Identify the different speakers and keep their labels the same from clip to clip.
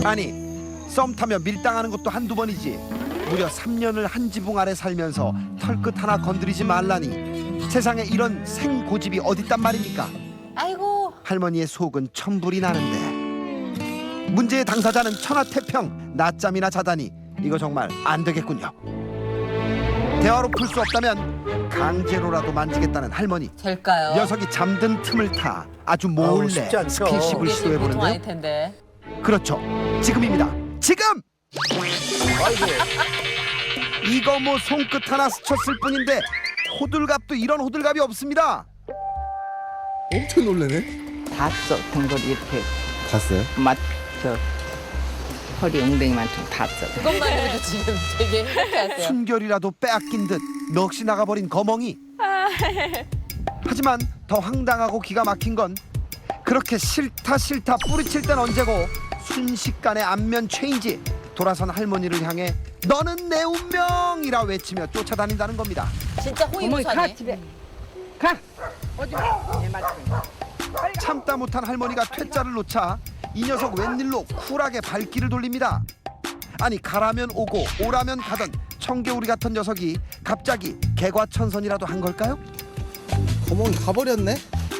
Speaker 1: 아니 썸 타며 밀당하는 것도 한두 번이지 무려 3년을 한 지붕 아래 살면서 털끝 하나 건드리지 말라니 세상에 이런 생고집이 어딨단 말입니까?
Speaker 2: 아이고.
Speaker 1: 할머니의 속은 천불이 나는데 문제의 당사자는 천하태평 낮잠이나 자다니 이거 정말 안 되겠군요. 대화로 풀 수 없다면 강제로라도 만지겠다는 할머니.
Speaker 2: 될까요?
Speaker 1: 녀석이 잠든 틈을 타 아주
Speaker 3: 아우,
Speaker 1: 몰래
Speaker 3: 쉽지 않죠.
Speaker 1: 스킨십을
Speaker 2: 이게 지금 보통 아닐
Speaker 1: 시도해보는데요.
Speaker 2: 텐데.
Speaker 1: 그렇죠, 지금입니다. 지금!
Speaker 3: 아이고.
Speaker 1: 이거 뭐 손끝 하나 스쳤을 뿐인데 호들갑도 이런 호들갑이 없습니다.
Speaker 3: 엄청 놀래네.
Speaker 4: 닿았어. 등골 이렇게
Speaker 3: 봤어요?
Speaker 4: 맞저 허리 엉덩이만 좀 닿았어.
Speaker 2: 그것만 해도 지금 되게 행복해하세요.
Speaker 1: 순결이라도 빼앗긴 듯 넋이 나가버린 거멍이. 하지만 더 황당하고 기가 막힌 건 그렇게 싫다 뿌리칠 땐 언제고 순식간에 안면 체인지. 돌아선 할머니를 향해 너는 내 운명이라 외치며 쫓아다닌다는 겁니다.
Speaker 2: 진짜
Speaker 4: 어머니 가
Speaker 2: 호의무사네.
Speaker 4: 집에 가. 오지 마. 내 말씀.
Speaker 1: 참다 못한 할머니가 퇴짜를 놓자 이 녀석 웬일로 쿨하게 발길을 돌립니다. 아니 가라면 오고 오라면 가던 청개구리 같은 녀석이 갑자기 개과천선이라도 한 걸까요?
Speaker 3: 거멍이 가버렸네.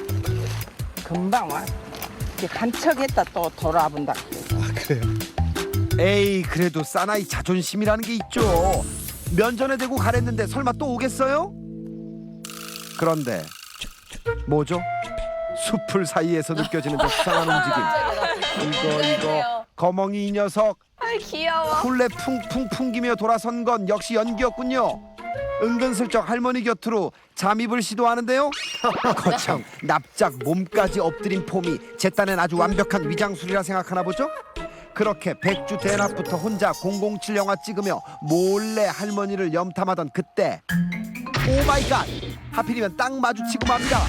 Speaker 4: 금방 와. 이렇게 간척했다 또 돌아본다.
Speaker 3: 아 그래요.
Speaker 1: 에이 그래도 사나이 자존심이라는 게 있죠. 면전에 대고 가랬는데 설마 또 오겠어요? 그런데 뭐죠? 숲풀 사이에서 느껴지는 저 수상한 움직임. 이거 거멍이 이 녀석
Speaker 2: 아이 귀여워.
Speaker 1: 쿨레 풍풍 풍기며 돌아선 건 역시 연기였군요. 은근슬쩍 할머니 곁으로 잠입을 시도하는데요. 거참 납작 몸까지 엎드린 폼이 제 딴엔 아주 완벽한 위장술이라 생각하나 보죠. 그렇게 백주 대낮부터 혼자 007 영화 찍으며 몰래 할머니를 염탐하던 그때 오마이갓 하필이면 딱 마주치고 맙니다.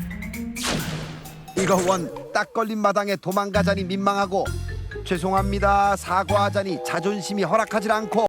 Speaker 1: 이거 원 딱 걸린 마당에 도망가자니 민망하고 죄송합니다 사과하자니 자존심이 허락하질 않고